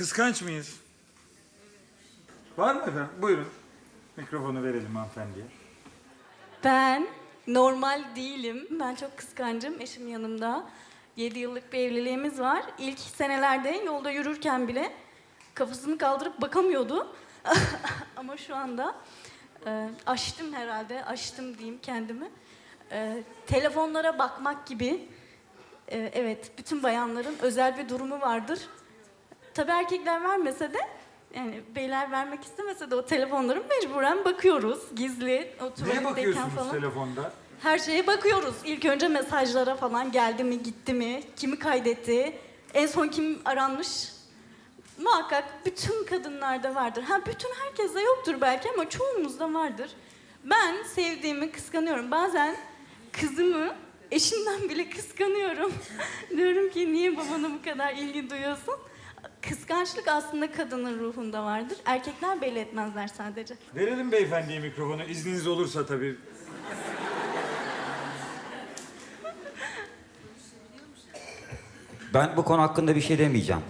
Kıskanç mıyız? Var mı efendim? Buyurun. Mikrofonu verelim hanımefendiye. Ben normal değilim. Ben çok kıskancım. Eşim yanımda. 7 yıllık bir evliliğimiz var. İlk senelerde yolda yürürken bile kafasını kaldırıp bakamıyordu. Ama şu anda aştım herhalde. Aştım diyeyim kendimi. Telefonlara bakmak gibi. Evet, bütün bayanların özel bir durumu vardır. Tabii erkekler vermese de, yani beyler vermek istemese de o telefonları mecburen bakıyoruz. Gizli, o Neye tuvaletteyken bakıyorsunuz falan. telefonda? Her şeye bakıyoruz. İlk önce mesajlara falan geldi mi, gitti mi, kimi kaydetti, en son kim aranmış. Muhakkak bütün kadınlarda vardır. Ha, bütün herkeste yoktur belki ama çoğumuzda vardır. Ben sevdiğimi kıskanıyorum. Bazen kızımı eşimden bile kıskanıyorum. Diyorum ki niye babana bu kadar ilgi duyuyorsun? Kıskançlık aslında kadının ruhunda vardır. Erkekler belli etmezler sadece. Verelim beyefendiye mikrofonu. İzniniz olursa tabii. Ben bu konu hakkında bir şey demeyeceğim.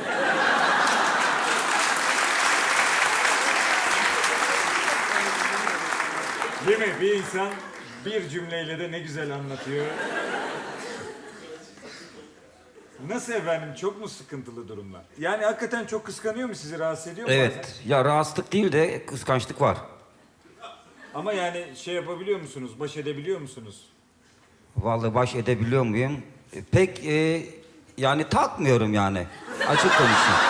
Değil mi? Bir insan bir cümleyle de ne güzel anlatıyor. Nasıl efendim? Çok mu sıkıntılı durumlar? Yani hakikaten çok kıskanıyor mu? Sizi rahatsız ediyor mu bazen? Evet, ya rahatsızlık değil de kıskançlık var. Ama yani şey yapabiliyor musunuz? Baş edebiliyor musunuz? Vallahi baş edebiliyor muyum? Pek yani takmıyorum yani. Açık konuşayım.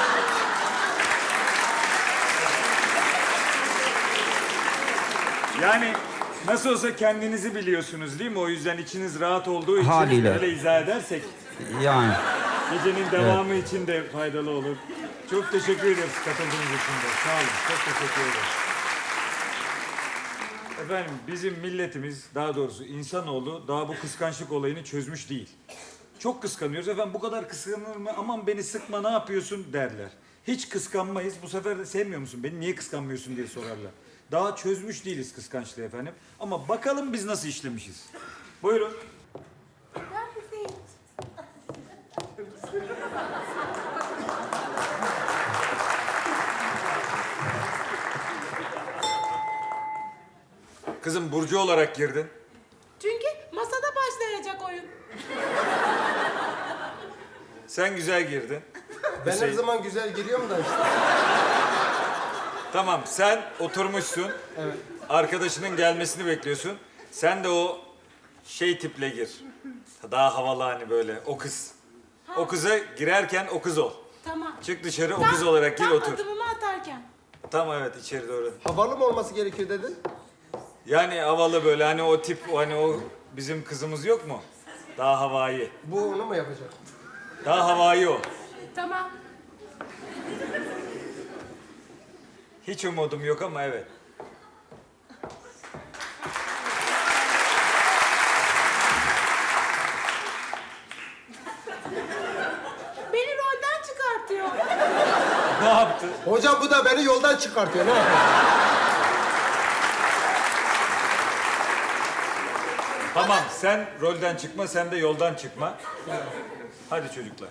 Yani nasıl olsa kendinizi biliyorsunuz değil mi? O yüzden içiniz rahat olduğu için Haliyle. öyle izah edersek Yani gecenin devamı için de faydalı olur. Çok teşekkür ederiz katıldığınız için de. Sağ olun. Çok teşekkür ederim. Efendim bizim milletimiz, daha doğrusu insanoğlu daha bu kıskançlık olayını çözmüş değil. Çok kıskanıyoruz. Efendim bu kadar kıskanır mı? Aman beni sıkma, ne yapıyorsun derler. Hiç kıskanmayız. Bu sefer de sevmiyor musun? Beni niye kıskanmıyorsun diye sorarlar. Daha çözmüş değiliz kıskançlığı efendim. Ama bakalım biz nasıl işlemişiz. Buyurun. Kızım Burcu olarak girdin. Çünkü masada başlayacak oyun. Sen güzel girdin. Ben her Hüseyin. zaman güzel giriyorum da işte. Tamam sen oturmuşsun. Evet. Arkadaşının gelmesini bekliyorsun. Sen de o şey tiple gir. Daha havalı hani böyle o kız. O kıza girerken o kız ol. Tamam. Çık dışarı o kız olarak gir tam otur. adımımı atarken. Tamam evet içeri doğru. Havalı mı olması gerekiyor dedin? Yani havalı böyle hani o tip hani o bizim kızımız yok mu? Daha havai. Bu onu mu yapacak? Daha havai o. Tamam. Hiç umudum yok ama evet. Beni rolden çıkartıyor. Ne yaptı? Hocam bu da beni yoldan çıkartıyor. Ne yapayım? Tamam sen rolden çıkma sen de yoldan çıkma. Hadi çocuklar.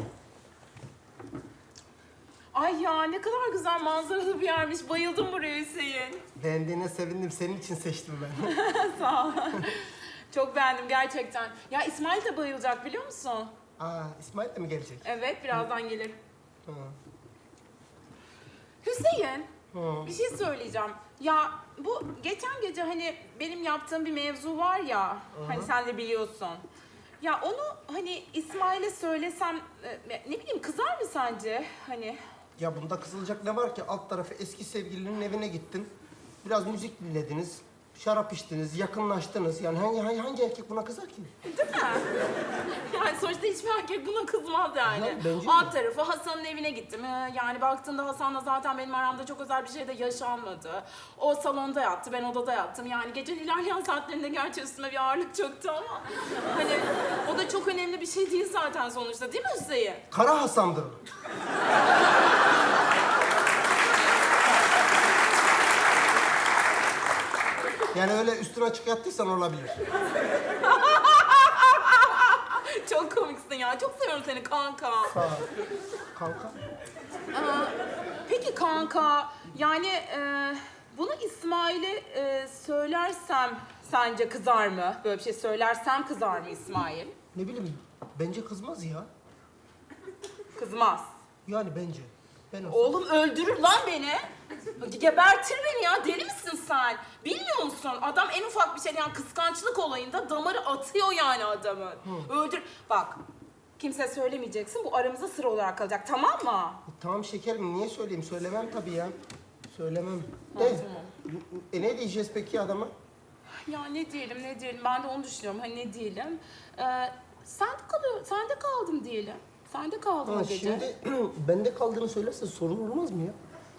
Ay ya ne kadar güzel manzaralı bir yermiş. Bayıldım buraya Hüseyin. Beğendiğine sevindim. Senin için seçtim ben. Sağ ol. Çok beğendim gerçekten. Ya İsmail de bayılacak biliyor musun? Aa, İsmail de mi gelecek? Evet birazdan gelir. Hı. Hüseyin, Hı. bir şey söyleyeceğim. Ya bu geçen gece hani benim yaptığım bir mevzu var ya, hani sen de biliyorsun. Ya onu hani İsmail'e söylesem, ne bileyim kızar mı sence? Hani Ya bunda kızılacak ne var ki? Alt tarafı eski sevgilinin evine gittin. Biraz müzik dinlediniz. Şarap içtiniz, yakınlaştınız. Yani hangi erkek buna kızar ki? değil mi? Yani sonuçta hiçbir erkek buna kızmaz yani. Ya, bence de. Alt tarafı Hasan'ın evine gittim. Yani baktığında Hasan'la zaten benim aramda çok özel bir şey de yaşanmadı. O salonda yattı, ben odada yattım. Yani gecenin ilerleyen saatlerinde gerçi üstüme bir ağırlık çöktü ama... Hani o da çok önemli bir şey değil zaten sonuçta değil mi Hüseyin? Kara Hasan'dır. Yani öyle üstüne açık yattıysan olabilir. Çok komiksin ya. Çok seviyorum seni kanka. Sağ ol. Kanka. Peki kanka, yani bunu İsmail'e söylersem sence kızar mı? Böyle bir şey söylersem kızar mı İsmail? Ne bileyim, bence kızmaz ya. Kızmaz. Yani bence. Ben olsam. Oğlum öldürür lan beni. Gebertir beni ya. Deli misin sen? Bilmiyor musun? Adam en ufak bir şey yani kıskançlık olayında damarı atıyor yani adamın. Öldür. Bak. Kimseye söylemeyeceksin. Bu aramızda sır olarak kalacak. Tamam mı? Tamam şekerim, niye söyleyeyim? Söylemem tabii ya. Söylemem. Ha, De, tamam. ne diyeceğiz peki adama? Ya ne diyelim ne diyelim. Ben de onu düşünüyorum. Hani ne diyelim. Sen de kaldın diyelim. Sen de kaldın Ha, o gece. şimdi bende kaldığını söylerse sorun olmaz mı ya?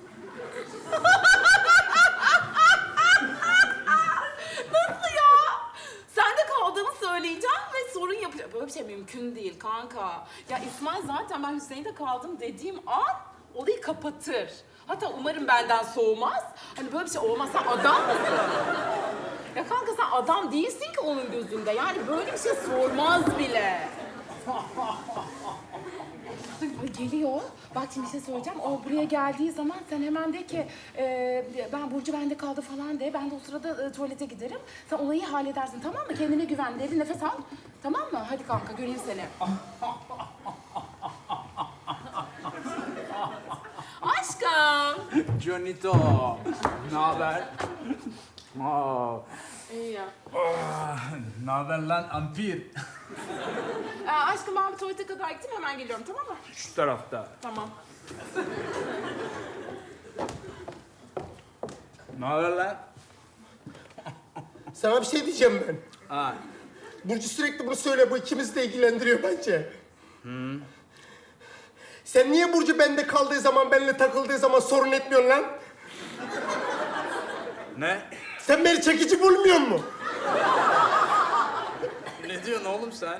Nasıl ya? Sen de kaldığımı söyleyeceğim ve sorun yapacağım. Böyle bir şey mümkün değil kanka. Ya İsmail zaten ben Hüseyin'de kaldım dediğim an olayı kapatır. Hatta umarım benden soğumaz. Hani böyle bir şey olmaz. Sen adam mısın? Ya kanka sen adam değilsin ki onun gözünde. Yani böyle bir şey sormaz bile. Ay, geliyor. Bak şimdi bir şey söyleyeceğim. O buraya geldiği zaman sen hemen de ki ben Burcu bende kaldı falan de. Ben de o sırada tuvalete giderim. Sen olayı halledersin tamam mı? Kendine güven. Derin nefes al. Tamam mı? Hadi kanka göreyim seni. Aşkım. Jonito, ne haber? İyi ya. Ne haber lan ampir? Aşkım ben bir tuvalete kadar gittim hemen geliyorum tamam mı? Şu tarafta. Tamam. Ne haber lan? Sana bir şey diyeceğim ben. Ha, Burcu sürekli bunu söyle, bu ikimizi de ilgilendiriyor bence. Sen niye Burcu bende kaldığı zaman, benimle takıldığı zaman sorun etmiyorsun lan? ne? Sen beni çekici bulmuyor musun? Ne diyorsun oğlum sen?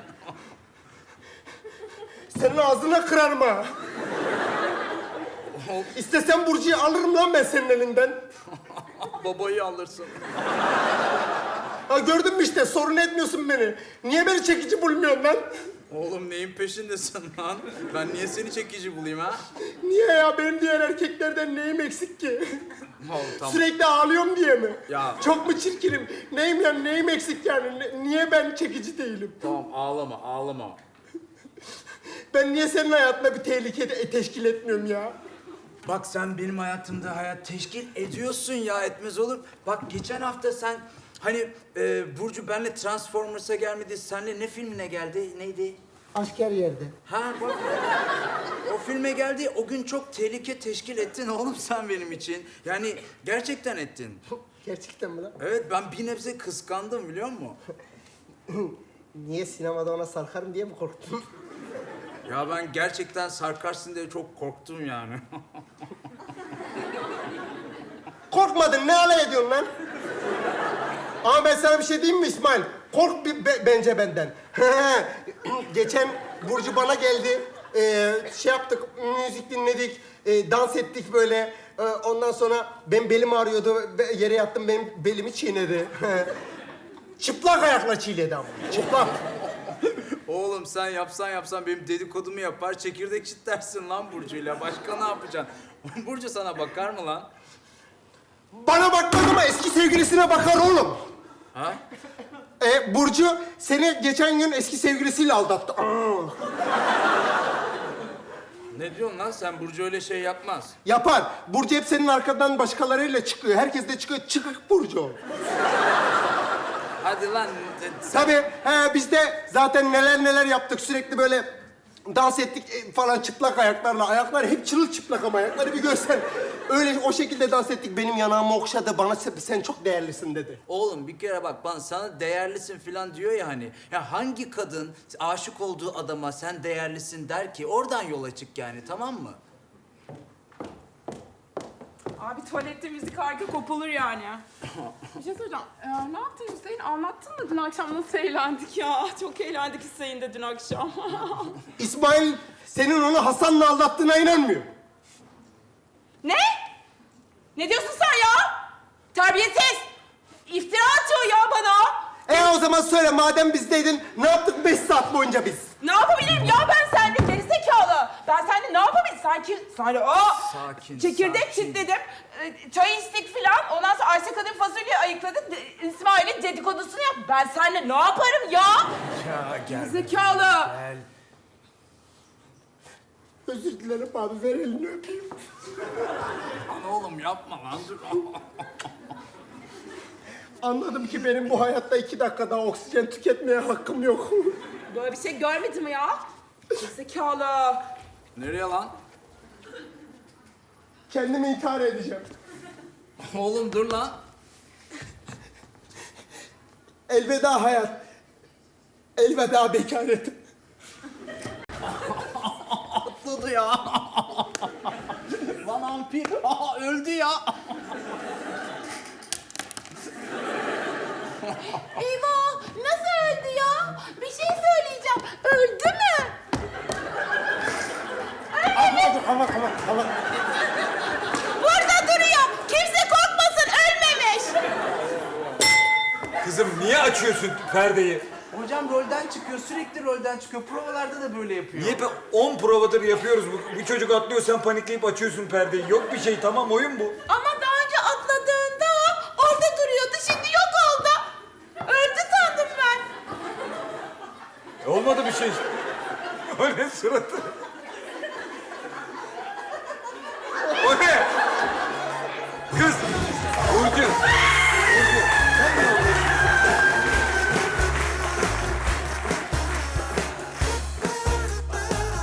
Senin ağzına kırarım ha. İstesem Burcu'yu alırım lan ben senin elinden. Babayı alırsın. Ha gördün mü işte, sorun etmiyorsun beni. Niye beni çekici bulmuyorsun lan? Oğlum neyin peşindesin lan? Ben niye seni çekici bulayım ha? Niye ya? Benim diğer erkeklerden neyim eksik ki? Oğlum tamam. Sürekli ağlıyorum diye mi? Ya. Çok mu çirkinim? Neyim yani, neyim eksik yani? Niye ben çekici değilim? Tamam ağlama ağlama. Ben niye senin hayatında bir tehlike teşkil etmiyorum ya? Bak sen benim hayatımda hayat teşkil ediyorsun ya, etmez olur. Bak geçen hafta sen hani Burcu benle Transformers'a gelmedi. Senle ne filmine geldi? Neydi? Aşk her yerde. Ha bak. O filme geldi. O gün çok tehlike teşkil ettin oğlum sen benim için. Yani gerçekten ettin. Gerçekten mi lan? Evet ben bir nebze kıskandım biliyor musun? Niye, sinemada ona sarkarım diye mi korktun? Ya ben gerçekten sarkarsın diye çok korktum yani. Korkmadın, ne alay ediyorsun lan? Ama ben sana bir şey diyeyim mi İsmail? Kork bence benden. Geçen Burcu bana geldi. Şey yaptık, müzik dinledik, dans ettik böyle. Ondan sonra benim belim ağrıyordu. Yere yattım, benim belimi çiğnedi. Çıplak ayakla çiğnedi ama. Çıplak. Oğlum sen yapsan benim dedikodumu yapar, çekirdek çitlersin lan Burcu'yla. Başka ne yapacaksın? Burcu sana bakar mı lan? Bana bakmaz ama eski sevgilisine bakar oğlum. Ha? Burcu seni geçen gün eski sevgilisiyle aldattı. Ne diyorsun lan sen? Burcu öyle şey yapmaz. Yapar. Burcu hep senin arkadan başkalarıyla çıkıyor. Herkes de çıkıyor. Çıkık Burcu. Hadi lan. Tabii. Biz de zaten neler yaptık. Sürekli böyle dans ettik falan çıplak ayaklarla. Ayaklar hep çırılçıplak ama ayakları bir görsen. Öyle o şekilde dans ettik. Benim yanağımı okşadı. Bana sen çok değerlisin dedi. Oğlum bir kere bak bana sana değerlisin falan diyor ya hani. Ya hangi kadın aşık olduğu adama sen değerlisin der ki? Oradan yola çık yani, tamam mı? Abi tuvalette müzik harika kopulur yani. Bir şey söyleyeceğim. Ne yaptın Hüseyin? Anlattın mı dün akşam nasıl eğlendik ya? Çok eğlendik Hüseyin'de dün akşam. İsmail senin onu Hasan'la aldattığına inanmıyor. Ne? Ne diyorsun sen ya? Terbiyesiz! İftira atıyor ya bana. O zaman söyle, madem bizdeydin ne yaptık 5 saat boyunca biz? Ne yapabilirim ya ben sende gerizekalı? Ben seninle ne yapabilirim? Sanki Sakin, çekirdek sakin. çitledim. Çay içtik filan. Ondan sonra Ayşe kadın fasulye ayıkladık. İsmail'in dedikodusunu yap. Ben seninle ne yaparım ya? Ya gel. Zekalı. Gel. Özür dilerim abi, ver elini öpeyim. Lan oğlum yapma lan dur. Anladım ki benim bu hayatta 2 dakika daha oksijen tüketmeye hakkım yok. Böyle bir şey görmedim ya. Zekalı. Nereye lan? Kendimi intihar edeceğim. Oğlum dur lan. Elveda hayat. Elveda bekaretim. Atladı ya. Lan ampir. Aa, öldü ya. Eyvah! Nasıl öldü ya? Bir şey söyleyeceğim. Öldü mü? Ama. Burada duruyor. Kimse korkmasın. Ölmemiş. Kızım niye açıyorsun perdeyi? Hocam rolden çıkıyor, sürekli rolden çıkıyor. Provalarda da böyle yapıyor. Niye 10 provadır yapıyoruz. Bu çocuk atlıyor, sen panikleyip açıyorsun perdeyi. Yok bir şey, tamam oyun bu. Ama daha önce atladığında orada duruyordu. Şimdi yok oldu. Öldü sandım ben. Olmadı bir şey. O ne suratı?